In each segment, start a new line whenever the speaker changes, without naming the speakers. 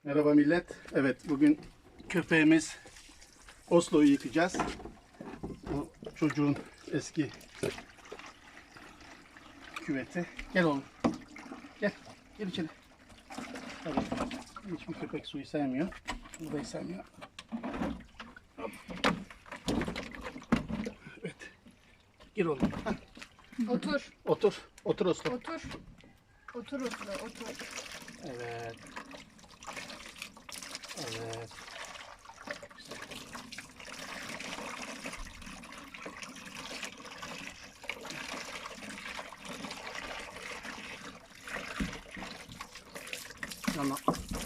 Merhaba millet. Evet, bugün köpeğimiz Oslo'yu yıkayacağız. O çocuğun eski küveti. Gel oğlum. Gel. Gel içeri. Tabii. Hiçbir köpek suyu sevmiyor. Burayı sevmiyor. Hop. Evet. Gir oğlum. Hah.
Otur.
Otur. Otur Oslo.
Otur. Otur Oslo, otur.
Evet. Evet. Yana.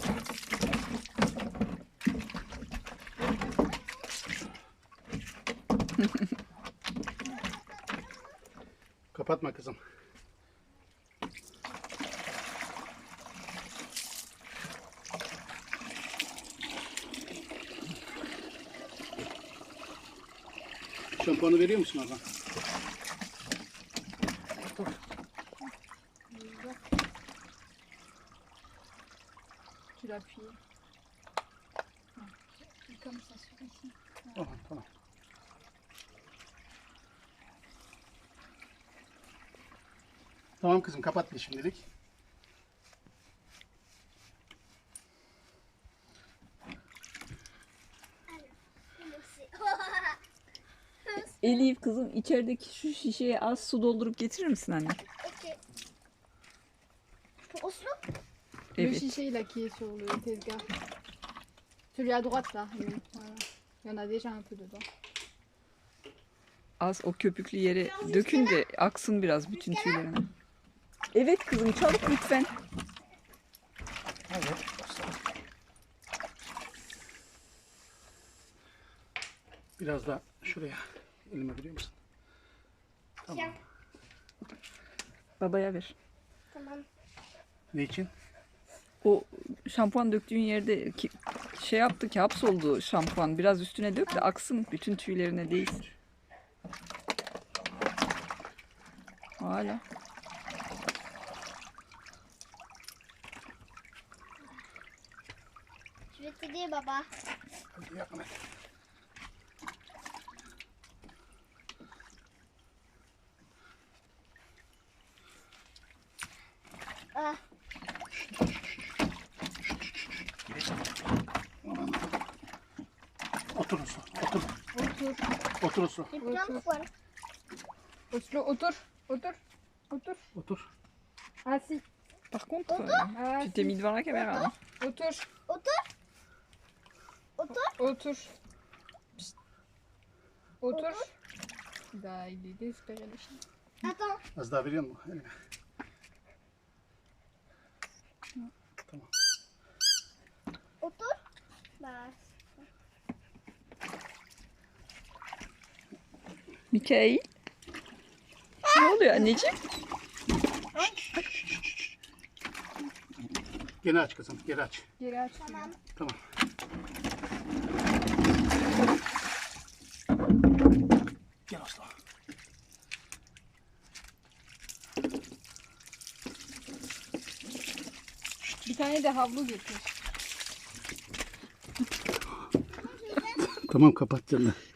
Kapatma kızım. Şampuanı veriyor musun oradan?
Tu l'appuies. Comme ça sur ici.
Tamam, tamam. Tamam kızım, kapat bir şimdilik.
Elif kızım içerideki şu şişeye az su doldurup getirir misin anne?
Ok. Pour Oslo?
Le
Evet.
chiché là qui est sur le tezgah. Celui à droite là. Oui, voilà. Il y en a déjà un peu dedans.
Az o köpüklü yere dökün de aksın biraz bütün tüylerine. Evet kızım çabuk lütfen.
Evet. Biraz da şuraya elime veriyor musun? Tamam.
Babaya ver.
Tamam.
Ne için?
O şampuan döktüğün yerde şey yaptı ki hapsoldu şampuan. Biraz üstüne dök de aksın bütün tüylerine değil. Hala.
Je vais t'aider, baba.
Hadi yardım et.
Ah,
Otur Oslo. Otur.
Otur.
Otur Oslo.
j'ai plein de poils.
Oslo, otur. Otur. Otur.
Otur.
Assis.
Par contre,
Ah,
tu t'es mis devant la caméra. Hein.
Otur.
Otur. Otur.
Otur. Psst. Otur. Bah, il est désespéré le chien.
Attends.
Az daha veriyor musun? Elime. Tamam.
Otur. Bah,
Mikail. Ne oluyor anneciğim?
Gene aç kızım. Geri aç.
Geri aç.
tamam.
Tamam. Gel Oslo.
Bir tane de havlu getir.
Tamam, kapat canım.